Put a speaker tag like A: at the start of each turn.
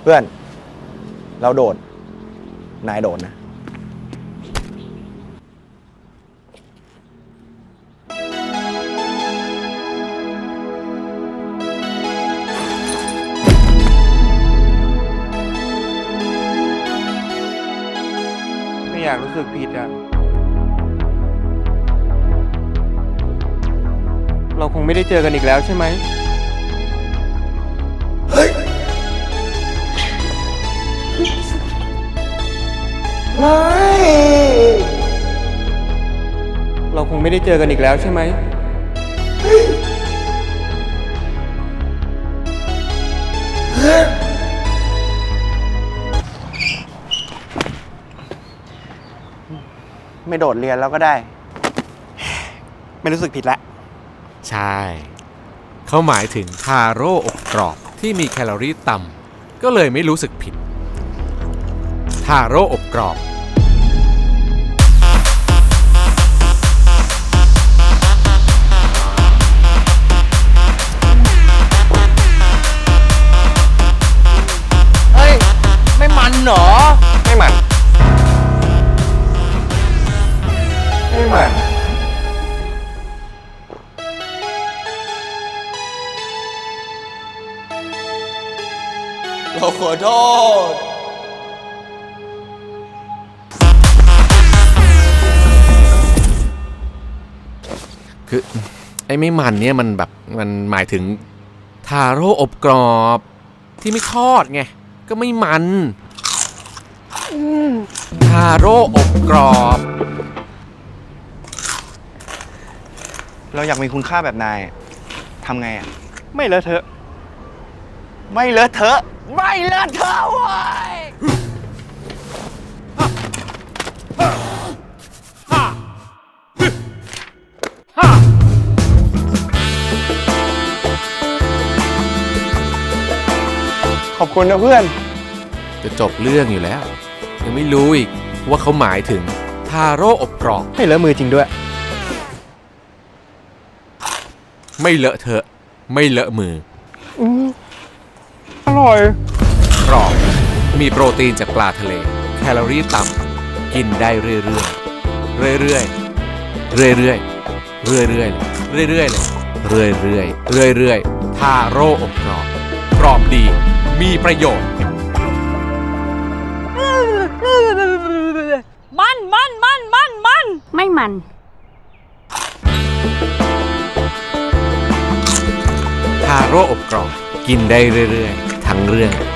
A: พื่อนเราโดดนายโดดนะ
B: ไม่อยากรู้สึกผิดอะเราคงไม่ได้เจอกันอีกแล้วใช่ไหม
A: ไม่
B: เราคงไม่ได้เจอกันอีกแล้วใช่ไหม
A: ไม่โดดเรียนแล้วก็ได้ไม่รู้สึกผิดแล้ว
C: ใช่เขาหมายถึงทาโร่อบกรอบที่มีแคลอรี่ต่ำก็เลยไม่รู้สึกผิดทาโร่อบกรอบ
B: เฮ้ยไม่มันเหรอ
A: ไม่มันไม่มันเราขอโทษ
C: คือไอ้ไม่มันเนี่ยมันแบบมันหมายถึงทาโร่อบกรอบที่ไม่ทอดไงก็ไม่มันทาโร่อบกรอบ
A: เราอยากมีคุณค่าแบบนายทำไงอ่ะ
B: ไม่เลอะเทอะ
A: ไม่เลอะเทอะไม่เลอะเทอะเว้ยขอบคุณนะเพื่อน
C: จะจบเรื่องอยู่แล้วยังไม่รู้อีกว่าเขาหมายถึงทาโร่อบกรอบ
B: ไม่เลอะมือจริงด้วย
C: ไม่เลอะเทอะไม่เลอะมือ
B: อร่อย
C: กรอบมีโปรตีนจากปลาทะเลแคลอรี่ต่ำกินได้เรื่อยๆเรื่อยๆเรื่อยๆเรื่อยๆเรื่อยๆเลยเรื่อยๆเรื่อยๆทาโร่อบกรอบกรอบดีมีประโยชน์
D: มันไม่มัน
C: ทาโร่อบกรอบกินได้เรื่อยๆทั้งเรื่อง